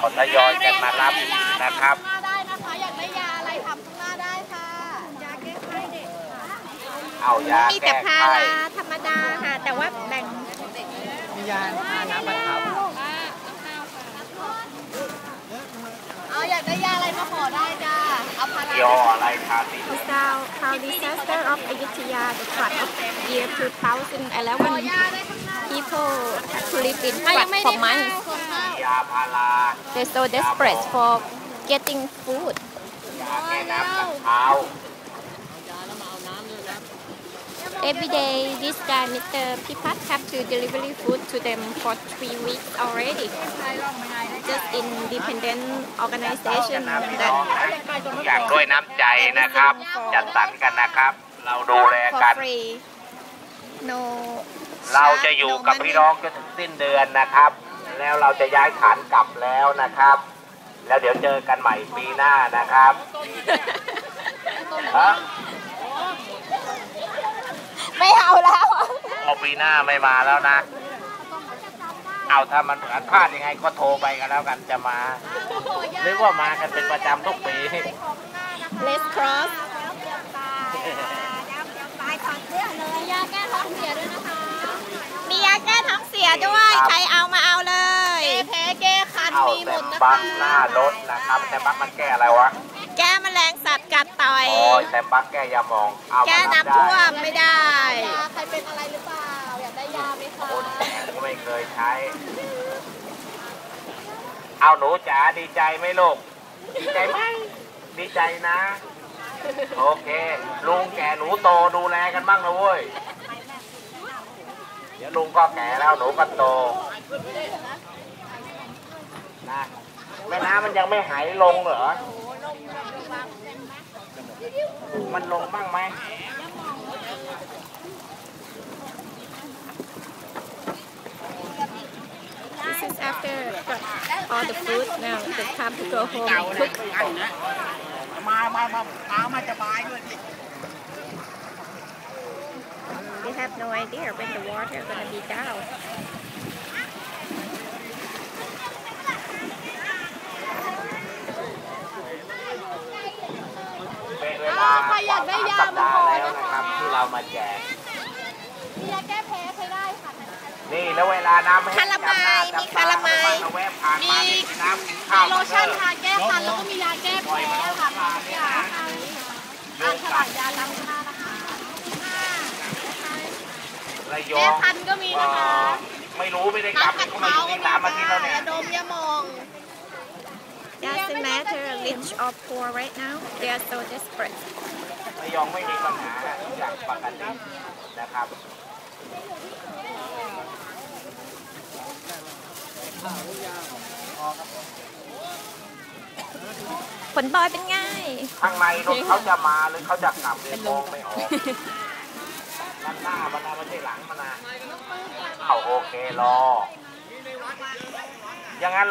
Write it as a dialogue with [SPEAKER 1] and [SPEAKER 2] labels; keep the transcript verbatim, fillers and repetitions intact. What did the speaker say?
[SPEAKER 1] เขาทยอยกันมารับนะครับ
[SPEAKER 2] ได้นะคะอยากได้ยาอะไรทำข้างหน้าได้ค่ะยาแก้ไข้เด็ก
[SPEAKER 1] เอายา
[SPEAKER 2] มีแต่พาราธรรมดาค่ะแต่ว่าแบ่ง
[SPEAKER 3] มียาน้ำบรรเทา
[SPEAKER 2] เอาอยากได้ยาอะไรมาขอได้จ้าเอาพารา
[SPEAKER 1] ย่ออะไรทาสิ
[SPEAKER 4] How disaster of Ayutthaya, the flood of year two thousand eleven, people had to live in floods for months.
[SPEAKER 1] ยาพารา
[SPEAKER 4] They're so desperate for getting food.
[SPEAKER 1] ยาแก้น้ำบรรเทา
[SPEAKER 4] Every day, this guy, Mister Pipat, have to deliver food to them for three weeks already. Just independent organization that
[SPEAKER 1] อยากด้วยน้ำใจนะครับจัดสรรกันนะครับเราดูแลกัน
[SPEAKER 4] for free. No.
[SPEAKER 1] เราจะอยู่กับพี่น้องจนถึงสิ้นเดือนนะครับแล้วเราจะย้ายฐานกลับแล้วนะครับแล้วเดี๋ยวเจอกันใหม่ปีหน้านะครับฮะ
[SPEAKER 4] ไม่เอาแล้ว
[SPEAKER 1] เอาปีหน้าไม่มาแล้วนะเอาถ้ามันพลาดยังไงก็โทรไปกันแล้วกันจะมาหรือว่ามากันเป็นประจำทุกปี
[SPEAKER 4] Let's cross
[SPEAKER 2] มียาแก้ท้องเสียด้วยนะคะ
[SPEAKER 4] มียาแก้ท้องเสียด้วยใครเอามาเอาเลย
[SPEAKER 2] แก้แพ้แก้คันมีหมดนะคะ
[SPEAKER 1] บักหน้ารถนะครับแต่บักมันแก้อะไรวะ
[SPEAKER 4] แก้แมลงสัตว์กัดต่อย
[SPEAKER 1] โอ้ยแต่บักแก้ยาหมองเอา
[SPEAKER 4] แก้น้ำท่วมไม่ได้
[SPEAKER 2] ใครเป็นอะไรหรือเปล่าอยากได้ยาไหมคะ
[SPEAKER 1] คนแก่ก็ไม่เคยใช้เอาหนูจ๋าดีใจไหมลูกดีใจไหมดีใจนะโอเคลุงแก่หนูโตดูแลกันบ้างนะเว้ยเดี๋ยวลุงก็แก่แล้วหนูก็โตนะแม่น้ำมันยังไม่หายลงเหรอมันลงบ้างไหม
[SPEAKER 4] This is after all the food now the time to go home and cook
[SPEAKER 3] มามามามามาจะบายด้วย
[SPEAKER 4] They have no idea when the water gonna be down
[SPEAKER 1] เป็นเวลา
[SPEAKER 2] ใครอยากได้ยามาขอนะคะ
[SPEAKER 1] ที่เรามาแจก
[SPEAKER 2] มียาแก้แพ้ใช้ได้ค่ะ
[SPEAKER 1] นี่แล้วเวลาน้ำไม่
[SPEAKER 4] คาราไมมีคาราไม
[SPEAKER 2] มีโลชั่นทาแก้คันแล้วก็มียาแก้แพ้ค่ะสองอย่างอ่านฉลากยาล้างหน้านะคะแก้คันก็มีนะคะ
[SPEAKER 1] ไม่รู้ไม่ได้กลับเขามาอยู่ที่สามอาทิตย์แล้วเนี่ย
[SPEAKER 2] ยาดมยามอง
[SPEAKER 4] Doesn't matter rich or poor right now they are so desperate
[SPEAKER 1] ระยองไม่มีปัญหาอย่างปกตินะครับ
[SPEAKER 4] ผลบอยเป็นไง
[SPEAKER 1] ข้างในเขาจะมาหรือเขาจะกลับเรียนมองไม่ออกด้านหน้ามันนะไม่ใช่หลังมันนะเอาโอเครออย่างนั้น